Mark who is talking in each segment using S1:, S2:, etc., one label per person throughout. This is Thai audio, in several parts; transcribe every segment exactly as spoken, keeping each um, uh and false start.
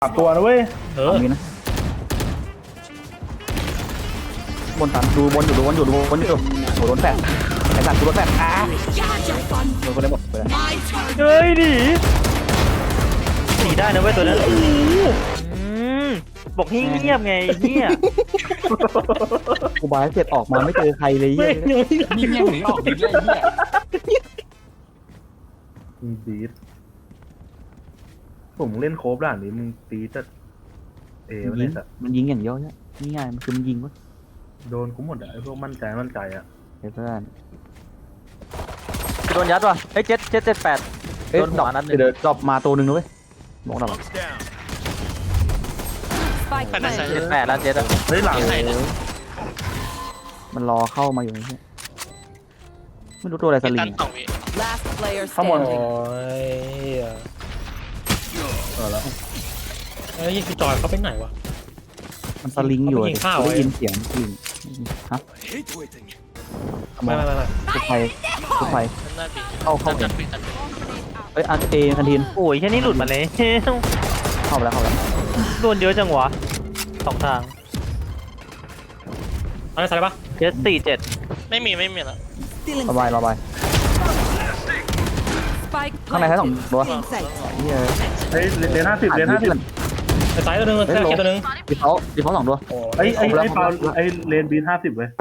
S1: สามตัวนะเว้ยเออ
S2: มีนะบนตันดูบนอยู่ดูบนอยู่ดูบนอยู่โหโดนแฟดไอ้สัตว์กูโดนแฟดอ่ะโดนคนได้หมดไปเลยเฮ้ยดิหนีได้นะเว้ยตัวนั้นบอกเงียบไงเงียบกูบายเสร็จออกมาไม่เจอใครเลยเงียบเงียบหนีออกดีเลยเงียบ
S1: มึงตีดผมเล่นโคบด่านนี้มึงตีดจะเอ๋มันเนี่ย
S2: มันยิงอย่างเดียวเนี่ยง่ายมันคือมันยิงวะ
S1: โดนกูหมดอะไอ้พวกมั่นใจมั่นใจอะ
S2: เพื่อนโดนยัดว่ะเฮ้ยเจ็ดเจ็ดเจ็ดแปดโดนดอกนัดนึงดอกมาตัวหนึ่งด้วยบอกดอกเจ็ดแปดแล้วเจ็ดอ่ะ
S1: เฮ้ยหลัง
S2: มันรอเข้ามาอยู่นี่ไม่รู้ตัวอะไรสลิง
S1: ข้างบน
S3: โอ้ย
S1: เออแล้ว
S3: เฮ้ยยิงจอยเขาไปไหนวะ
S2: มันสลิงอยู่ได้ยินเสียงยิงฮะ
S3: ไม่ไม่ไม่
S2: ทุกไฟทุกไฟเข้าเข้าเองเอ้ยอันเอคันทีน
S4: โอ้ยแค่นี้หลุดมาเลย
S2: เข้าไปแล้วเข้าไปแล้ว
S4: โดนเยอะจังวะสองทาง
S3: อะไรใส่ปะ
S4: เจ็ดสี่เจ็ด
S5: ไม่มีไม่มีแล้ว
S2: ระบายระบายข้างในแค่สองตัว
S1: เฮ้ยเลนห้าสิบเลนห้าสิบ
S3: ใส่ตัวนึงใส่ตัวนึง
S2: ดีเขาดีเขาสองตัว
S1: ไอ้ไอ้ไอ้เปาไอ้เลนบีห้าสิบเว้ย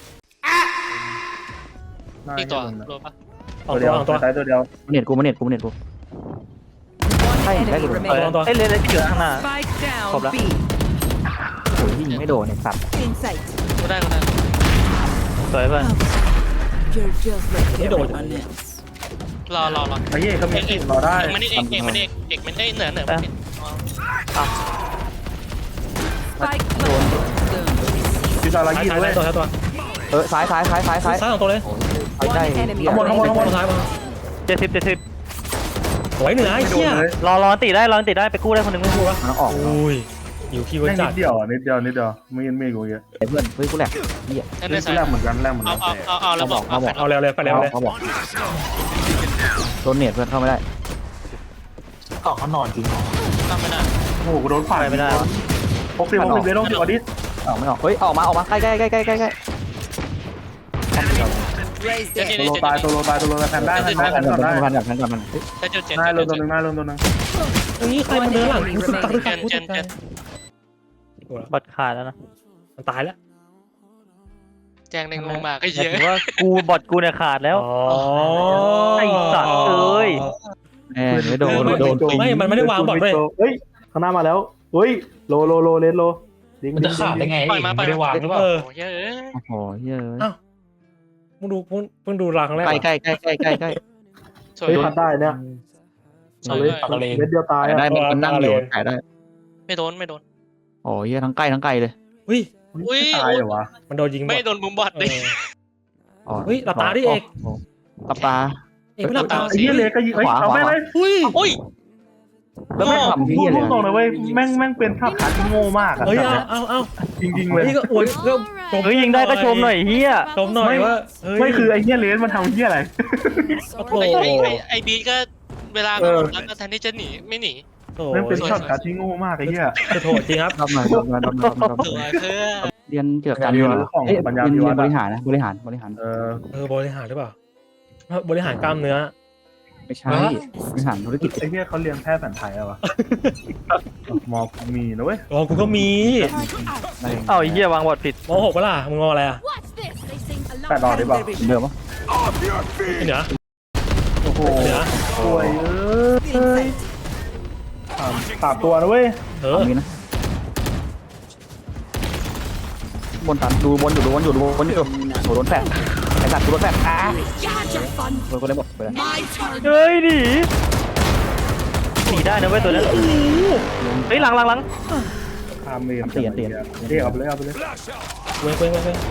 S5: อีกตัวรู้ปะ
S1: ตัวเดียวตัวใส่ตัวเดียว
S2: เน็ตกูมันเน็ตกูมันเน็ตกูใช่ได้หลุด
S4: ไอ้เลนเลนที่อยู่ข้างหน้าครบแล้ว
S2: โอ้ยยิงไม่โดนไอ้สัตว์
S5: กูได้กูได้
S4: สวยเพื่อน
S3: ไม่โดน
S5: รอรอรอ
S1: ไอ้เหี้ยเขาไม่ติดรอได้
S5: มันเอกเอกมันเอกเอกมันได้เหนือเหนือมัน
S4: อ่ะ
S2: โดน
S1: ที่ตาลายี่ด้วย
S3: ตัวตัว
S2: เออซ้ายซ้ายซ้ายซ้ายซ้าย
S3: ซ้ายสองตัวเลย
S2: ได้
S1: ข้างบนข้างบนข้างบน
S3: ซ้ายมา
S4: เจ็ดสิบเจ็ดสิบ
S3: สวยเหนือไอ้เหี้ย
S4: รอรอตีได้รอตีได้ไปกู้ได้คนหนึ่งไม่กู้วะ
S2: มันออก
S3: อุ้ยอยู่ที่วันจั
S1: ดนิดเดียวนิดเดียวนิดเดียวไม่ยันไม่กูเยอะ
S2: เพื่อนเฮ้ยกูแหลกเหี้ย
S1: แรกเหมือนกันแรกเหมือนกั
S5: นเอาเอาเอาแล้วบอก
S3: เอาแล้วเลยไปแล้วเลย
S2: เขาบอกโดนเน็ตเพื่อนเข้าไม่ได้
S1: เกาะเขานอนจริง
S5: ทำไม่ได้
S1: โอ้โหโดนฝ่าย
S4: ไม่ได้
S1: หกสิบหกสิบเลยต้องสิบอดิส
S2: ออกไม่ออกเฮ้ยออกมาออกมาใกล้ใกล้ใกล้ใกล้ใกล้ใกล้
S1: ตัวโลตายตัวโลตายตัวโลตายแทนได้แทนได้แทนก่อนได้
S2: แทนก่อนแทนก่อนมัน
S5: ได้เจ็ดเจ็ด
S1: ได้ลงตัวหนึ่งได้ลงตัวหนึ่ง
S3: ตรงนี้ใครมันเดินหลังกูสุดตายกูสุดตาย
S4: บัตรขาดแล้วนะ
S3: มันตายแล้ว
S5: แจ้งในงงมากก็เยอะ
S4: ว่ากูบอทกูเนี่ยขาดแล้วไอ้สัตว์เอ้ย
S2: แหมไม่โดนโดน
S3: ไม่มันไม่ได้วางบอทด้วย
S1: เฮ้ยข้างหน้ามาแล้วเฮ้ยโลโลโลเลนโล
S3: มันจะขาดได้ไงไม่ได้วางหรือเปล่า
S5: เยอะ
S2: โอ้โหเยอะ
S3: อ้าวมึงดูมึงดูรังแรก
S2: ใกล้ใกล้ใกล้ใกล้ใกล้ใกล้
S1: เฮ้ยพัดได้เนี่ยเม็ดเดียวตาย
S2: ได้มันนั่งอยู่ถ่ายได้
S5: ไม่โดนไม่โดน
S2: โอ้ยทั้งใกล้ทั้งไกลเลย
S3: อุ้ย
S5: อุ้ย
S1: ตายเหรอวะ
S3: มันโดนยิง
S5: ไม่โดนบุ้มบอทเลย
S3: เฮ้ยหลับตาดิเอก
S2: หลับตา
S3: เอกไม่หลับตา
S1: ไอ้เหี้ยเลยก็ยิงเฮ้ยเอาแม่งเลย
S5: อุ้ยอุ้ย
S2: แล้วไม่ทำที่อะไร
S1: พูดตรงเลยเว้ยแม่งแม่งเป็นภาพขาดที่โง่มากอะ
S3: เฮ้ยเอาเอา
S1: จริงๆเลย
S3: นี่ก็อวยก็
S4: เฮ้ยยิงได้ก็ชมหน่อยเฮีย
S3: ชมหน่อยว่า
S1: ไม่คือไอ้เหี้ยเลนมันทำเหี้ยอะไร
S5: ไอ้ไอ้ไอ้บีก็เวลามันแล้วก็แทนที่จะหนีไม่หนี
S1: แม่งเป็นช็อตขาดที่โง่มากไอ้เหี้ย
S3: จะโทษจริงครับ
S2: ทำหน่อยทำหน่อยทำหน่อยทำหน่อยเรียนเกี่ยวกับการเรียนของปัญญาบริหารนะบริหารบริหาร
S1: เออ
S3: เออบริหารหรือเปล่าบริหารกล้ามเนื้อ
S2: ไม่ใช่บริหารธุรกิจ
S1: ไอ้เหี้ยเขาเรียนแพทย์แผนไทยอะวะมอมีนะเว้ย
S3: อ๋อกูก็มี
S4: เอ้าไอ้เหี้ยวางบอทผิด
S3: มหกปะล่ะมึงมออะไรอ่ะ
S1: แปดดอกได้ป่ะ
S2: เดิมปะ
S3: เหนือ
S1: โอ้โหโอ้ยเอ้ยสามตัวนะเว้ย
S3: เออ
S2: มีนะบนตันดูบนอยู่ดูบนอยู่ดูบนอยู่โหโดนแฟดไอ้สัตว์โดนแฟดอ่ะโดนคนได้หมดไปเลย
S4: เฮ้ยดิหนีได้นะเว้ยตัวนั้นเฮ้ยหลังหลังหลัง
S1: ทำเมียนเตียนเตียนเตียนเอาไปเลยเอาไปเลย
S3: เว้ยเว้ยเว้ยเว้ย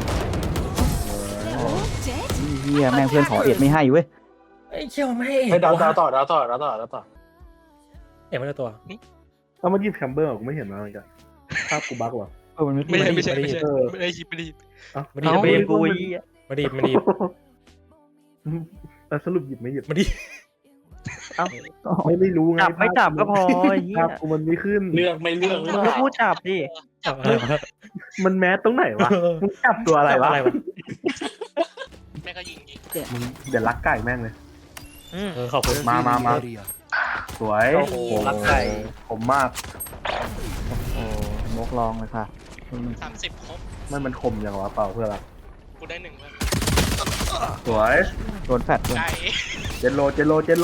S2: เฮียแม่งเพื่อนขอเอ็ดไม่ให้เว้ย
S3: ไอ้เชี่ยวไม่
S1: ให้ดาวดาวต่อดาวต่อดาวต่อดาวต่อ
S3: เอ็ดไม่ได้ตัว
S1: เอามายิบแคมเบอร์กูไม่เห็นมาเหมือนกันภาพกูบั๊กว่ะ
S2: เออมัน
S5: ไม่ได้ไม่ใช่ไม่ใช่ไม่ได้ยิบไม่ได้ยิบ
S3: ไม่ได้ไม่ได้กูไม่ได้ไม่ได้
S1: แต่สรุปหยิบไม่หยิบ
S3: ไม่ได้
S1: ไม่ไม่รู้ไง
S4: จับไม่จับก็พอไอ้เหี้
S1: ภาย พกูมันไม่ขึ้น
S6: เลือกไม่เลือกหรือ
S4: มึง
S6: เป
S4: ก็
S6: ล่า
S4: พูดจับดิ
S1: มันแมสตรงไหนวะมึงจับตัวอะไรวะ
S3: อะไรวะ
S5: แม่ก็ยิงยิง
S1: มึงเดี๋ยวรักไก่แม่งเลย
S4: อืม
S3: เออขอบคุณ
S1: มามามาสวย
S4: โอ้โหรักไก่
S1: ผมมาก
S2: โอ้มกลองเลยค่ะ
S5: สามสิบครบ
S1: ไม่มันคมอย่างวะเปล่าเพื่อนรัก
S5: กูได้หนึ่งแล้ว
S1: สวย
S2: โดนแฟดด้วย
S5: ไก่
S1: เจนโลเจนโลเจนโล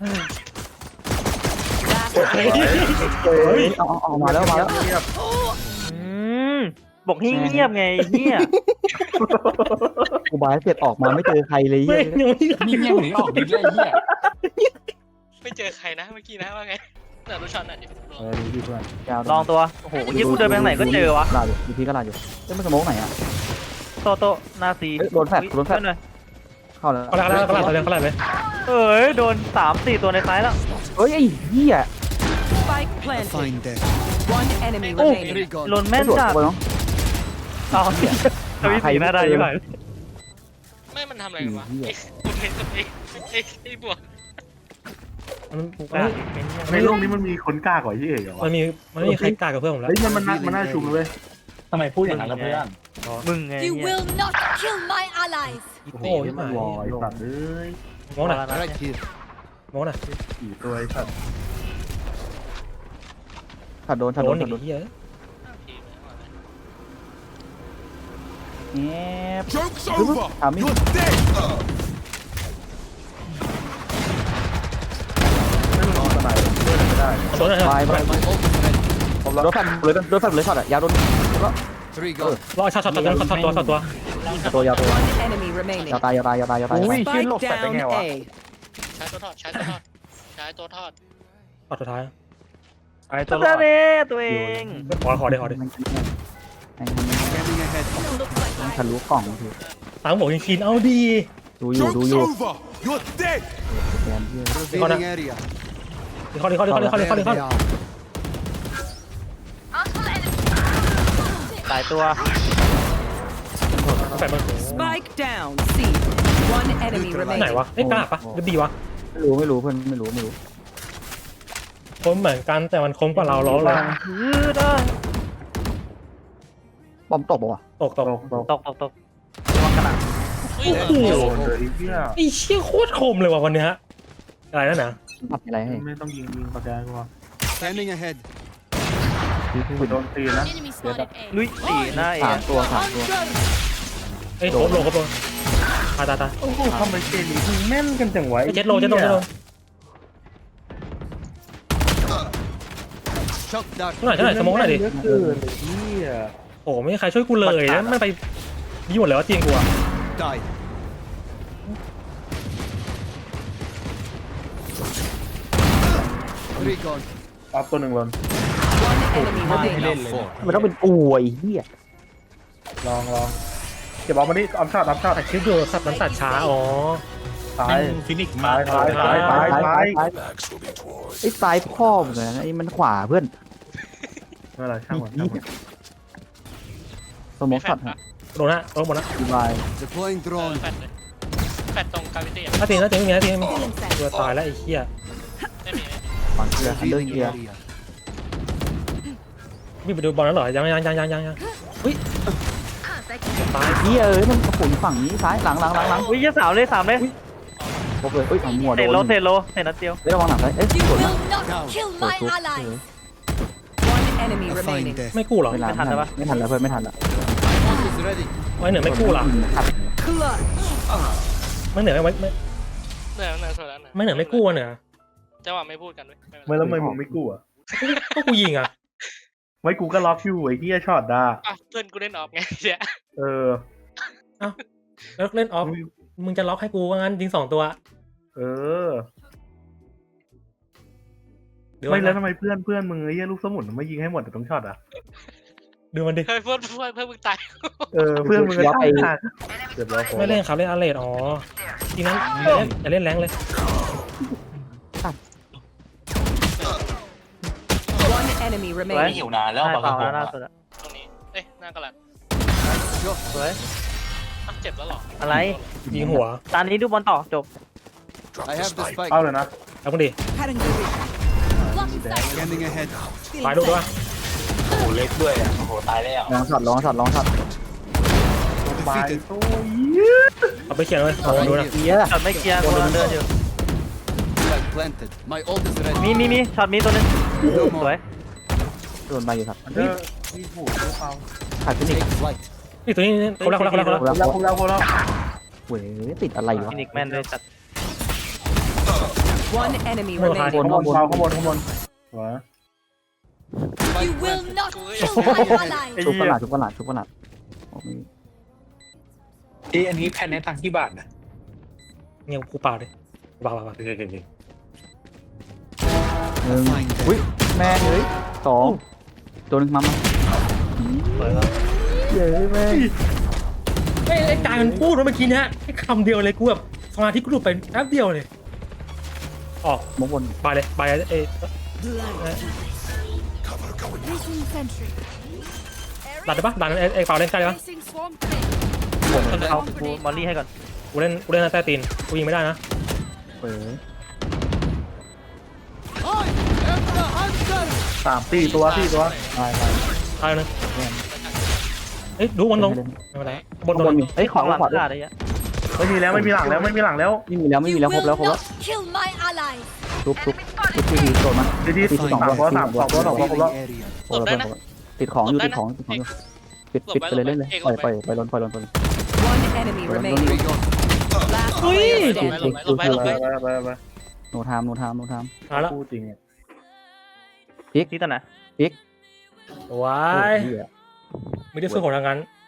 S2: เฮ้ยเอาเอาเอามาแล้วมาแล้ว
S1: เงียบ
S4: อืมบอกให้เงียบไงเหี้ย
S2: กูบายเสร็จออกมาไม่เจอใครเลย
S3: ไม่
S2: เหี้ย
S3: ยังไม่
S6: นี่เงี้ยหนีออกดิเลยไอ้เหี้ย
S5: ไม่เจอใครนะเมื่อกี้นะว่าไงแต่รู้ช็อตน่ะดิ
S1: เออดูดิเพื่อน
S2: ยาว
S4: ลองตัวโอ้โหยี่กูเดินไปทางไหนก็เจอวะ
S2: ลาอยู่อยู่พี่ก็ลาอยู่เอ้ยมันสโมกไหนอ่ะ
S4: โตโตหน้าซี
S2: เอ้ยโดนแฟลชโดนแฟลช
S4: เพื่อหอย
S2: เข้าแล้ว
S3: เขาละเขาละเขาละเขาละเขาละเลย
S4: เอ้ยโดนสามสี่ตัวในซ้ายแล้ว
S2: เฮ้ยไอ้เหี้ย
S7: Spike planted. One enemy
S4: โอ้
S7: remaining.
S4: โดนแม่น
S2: โดด
S4: จัด
S2: เข้าไปเนาะ
S4: เอาทวีสีหน้าได้ยังไง
S5: ไม่มันทำอะไรกันวะไอ้กูเห็นกับไอ้ไอ้ไอ้บวก
S3: มัน
S4: กูกล้า
S1: ในโลกนี้มันมีคนกล้ากว่าที่เอกเหรอ
S3: มั
S1: วะ
S3: นมีมันมีใครกล้ากับเพื่อนผมแล้ว
S1: เฮ้ยมันมันน่ามันน่าชุมเลย
S6: ทำไมพูดอย่างนั้นล่ะเพื่อน
S4: มึงไง
S8: You
S4: เนี่ย
S8: will not kill my allies.
S1: โอ้โหมันวอยสัตว์เอ้ย
S3: มองหน่อย
S4: พอแล้วนะเนี่ย
S3: มองหน่อย
S1: กี่ตัวไอ้สัตว์
S2: ถัดโดนถัด
S3: โด
S2: โด
S3: น
S2: น
S3: อี
S2: ถัดโด
S3: ก
S2: น
S3: เหี้ย
S2: แอบถามมิ
S1: ไม่รู้สไนด์เล่นไม่ได้
S3: โดนหน่อย
S2: บายบายบายโดนแฟดเลยโดนแฟดเลยช็อตอ่ะยาวโดนแล้ว
S3: รอช็อตช็อตตัวช็อตตัวช็อตตัว
S2: ตัวยาวตัว
S7: One enemy remaining.
S2: ยาวตายยาวตายยาวตายยาวตาย
S7: Spike down A.
S5: ใช้ตัวทอดใช้ตัวทอดใช้ตัวทอด
S3: ช็อตสุดท้าย
S1: ไอ้
S4: ตั
S1: ตัว วรอด
S4: เน่ตัวเอง
S3: ขอขอได้ขอได้
S2: มันมันทะลุกล่องที
S3: ตังบอกยิงคีนเอาดี
S2: ดูอยู่ดูอยู่
S9: You're dead.
S2: แกนเยอะ
S9: Revealing area.
S3: เขาเลยเขาเลยเขาเลยเขาเลยเขาเลยเขาเลย
S4: หลายตัว
S3: แปดมัน
S7: Spike down C. One enemy
S3: ไหน
S7: remaining.
S3: วะเอ้ยกล้าปะหรือดีวะ
S2: ไม่รู้ไม่รู้เพื่อนไม่รู้ไม่รู้
S3: คมเหมือนกันแต่มันคมกว่าเราล้อเลย
S4: ฮือได้
S2: บอมตกปะวะ
S3: ตกตก
S1: ตกตก
S4: ตกตกตกระวังกันอ่ะ
S5: เฮ้ย
S3: โอ้โห
S1: โดนเลยไอ้เหี้ย
S3: ไอ้เชี่ยโคตรคมเลยว่ะวันเนี้ยอะไรนั่นนะ
S2: ทำอะไรให้
S1: ไม่ต้องยิงยิงประแกนกูวะ
S9: Scanning ahead.
S1: กูโดนตีนะ
S8: Enemy spotted A.
S4: ลุยสี่หน้าเอ
S2: สามตัวสามตัว
S3: เอ้ยโคตรโลครบโลตายตายตาย
S1: โอ้โหทำไมเกมนี้มึงแม่นกันจังวะ
S3: ไอ้เจ็ดโลเจ็ดโลเจ็ดโล
S9: Shock dart.
S3: ช่วยหน่อยช่วยหน่อยสมองหน่อยดิ
S1: เยอะเกินไอ้เหี้ย
S3: โอ้ไม่มีใครช่วยกูเลยแล้วมันไปยี่หมดเลยว่าเตียงกูอะ
S9: Die. Three gone.
S1: ออฟตัวหนึ่งลน
S7: One enemy remaining.
S2: มันต้องเป็นอวยเฮีย
S1: ลองลองเก็บออฟมาดิออฟช็อตออฟช็อต
S3: แต่คลิปดูสับน้ำสัตว์ช้าอ๋อ
S1: ตาย
S6: ฟินิกซ์
S1: ตายตายตายตายตาย
S2: ไอ้ซ้ายพ่อเหมือนกันไอ้มันขวาเพื่อน
S1: เมื่อไรช่างมันช่างมัน
S2: สมองช็อต
S3: โดนนะโดนหมดนะ
S2: ดีบาย
S9: Deploying
S5: เออ
S9: drone.
S5: แฟดเลยแฟดตรงกาวิตี้
S3: ถ้าเตียงถ้าเตียงไม่มีถ้าเตียงไม่มีตัวตายแล้วไอ้เหี้ย
S5: ไม่มี
S2: ฝั่งเกียร์อันเดอร์
S9: Revealing
S2: เกียร์
S9: area.
S3: วิ่งไปดูบอลแล้วเหรอยังยังยังยังยังยังอุ้ยตาย
S2: เฮียเอ้ยมันโอ้โหฝั่งนี้ซ้ายหลังหลังหลังหลัง
S4: อุ้ยยี่สามเลยสามเลย
S2: ครบเลยเอ้ยฝั่งมัวโด
S4: เตะ
S2: น
S4: โลเตะโลเตะนัดเดียว
S2: เฮ้ยระวังหลังซ้ายเอ้ย
S8: You
S2: สวนนะ
S8: will not kill my allies.
S7: One enemy remaining.
S3: ไม่กู้หรอ
S2: ไม่ทันไม่ทันแล้วเพื่อนไม่ทันแล้ว
S9: Smoke is ready.
S3: ไม่เหนือไม่กู้หรอ
S7: Clutch.
S3: ไม่เหนือไม่ไม่
S5: เหนื่อยเหนื่อยสุดแล้วเหนื่อย
S3: ไม่เหนือไม่กู้อะเหนือ
S5: จังหวะไม่พูดกันด้วยไม่เป็นไร
S1: ไม่แล้วทำไมมึงไม่กู้อ่ะ
S3: ก็กูยิงอ่ะ
S1: ไม่กูก็ล็อกอยู่ไอ้เหี้ยช็อตด่า
S5: อ่ะเพื่อนกูเล่นออฟไงเนี่ย
S1: เออ
S3: แล้วเล่นออฟมึงจะล็อกให้กูว่างั้นยิงสองตัว
S1: เออ
S3: เดี๋ยว
S1: ไม่แล้ว
S3: นะ
S1: ทำไมเพื่อนเพื่อนมึงไอ้เหี้ยลูกสมุนไม่ยิงให้หมดแต่ต้องช็อตอ่ะ
S3: ดูมันดิ
S5: เฮ้ยเพื่อนเพื่อนเพื่อนมึงตาย
S1: เออเพื่อนมึงก็ตายขาดเกือบแล้ว
S3: ไม่เล่นครับเล่นอาร์เรดอ๋อจริงนั้นอย่าเล่นอย่าเล่นแรงเลย
S7: One enemy
S3: ไม่
S7: remaining.
S6: หิวนานแล้ว
S4: หน้า
S6: บาง
S4: เปล่า
S6: คน
S4: แล้วล่าสุดอะ
S5: ตรงนี้เอ้ยหน้ากระดาษ
S4: สวย
S5: อ่ะเจ็บแล้วเหรอ
S4: อะไร
S3: ยิงหัว
S4: ตอนนี้ดูบอลต่อจบ
S9: I have the spike.
S1: เอาเลยนะ
S3: เอามึงดิ
S8: Blocking sight.
S9: Scanning ahead.
S3: ไปดูด้วย
S6: โอ้โหเล็กด้วยอ่ะโอ้โหตายแล้ว
S2: ลองช็อตลองช็อตลองช็อต
S1: บาย
S9: Defeated.
S1: โอ้ย
S3: เอาไปเขียนเลยเอาดูนะ
S2: เฮีย
S4: ช็อตไม่เคลียร์กูกำลังเดินอยู่
S9: Flag planted. My ult is ready.
S4: มีมีมีช็อตมีตัวนึง
S9: No
S4: สวย
S9: more.
S2: โดนไปอยู่ครับ
S1: มันเจอที่ผูกเจอเปล่า
S2: ขาดฟินิก
S9: Take flight.
S3: นี่ตัวนี้คนละคนละคนละคนละ
S1: ครบแล้วครบแล้วครบแล้ว
S2: เว้ยติดอะไรอยู่
S4: ฟินิกแม่นด้วยจัด
S7: One enemy
S3: โมโห
S7: remaining.
S3: คาย
S1: ข้างบนเปล่าข้างบนข้างบนหัว
S8: You will not kill my allies.
S2: ชุบกระหลาดชุบกระหลาดชุบกระหลาดโอ้ย
S6: เอ้ยอันนี้แพนในตังค์ที่บาทนะ
S3: เนี่ยกูเปล่าเลยเปล่าเปล่าเปล่า
S6: เดี๋ยวเดี๋ยวเดี๋ยว
S2: หนึ่งอุ้ยแม่งเฮ้ยสองตัวหนึงมามา
S4: สวยครับ
S2: เย้แม่ง
S3: ไอ้ไอ้การมันพูดว่าเมื่อกี้เนี้ยแค่คำเดียวเลยกูแบบสมาธิกูหลุดไปแป๊บเดียวเลยออก
S2: มงบน
S3: ไปเลยไปเลยเอ้
S8: Placing sentry.
S3: ดันได้ปะดันไอ้ไอ้เปล่าเล่นใกล้ได้ปะ
S8: Placing swamp grenade.
S4: เอากูมอลลี่ให้ก่อน
S3: กูเล่นกูเล่นใต้ตีนกูยิงไม่ได้นะ
S2: เว้ย
S1: สามสี่ตัวสี่ตัว
S2: ตายไป
S3: ตายนึงเอ้ยดูบนลงไม่เป็นไรบน
S2: ข้าง
S3: ล
S2: บน
S3: ง
S2: มีเอ้ยขวา
S4: หลัง
S2: ขวาด้วย
S4: ขาดอะไรเงี้ย
S1: ไม่มีแล้วไม่มีหลังแล้วไม่มีหลังแล้ว
S2: ไม่มีแล้วไม่มี
S8: You
S2: แล้วครบ
S8: will
S2: แล้วครบแล้ว
S8: not kill my allies.
S2: ทุบทุบทุบทีทีโดนมา
S1: ทีที่สามตัวสามสองตัวสองตัวครบแล้ว
S9: Area.
S2: โดนแล้วติดของอยู่ติดของติดของอยู่ปิดปิดไปเลยเล่นเลยปล่อยปล่อยปล่อยลนปล่อยลนปล่อยลน
S7: One enemy remaining. Last
S5: Ui.
S7: player
S5: หลบ
S7: standing.
S5: ไปหลบไปหลบ
S1: ไป
S5: ไป
S1: ไปไปไป
S2: โนทามโนทามโนทาม
S3: มาแล้ว
S1: พูดจริงอ่ะ
S4: ที่ตัวไหน
S3: ว้ายไม่ได้สู้ของทางนั้น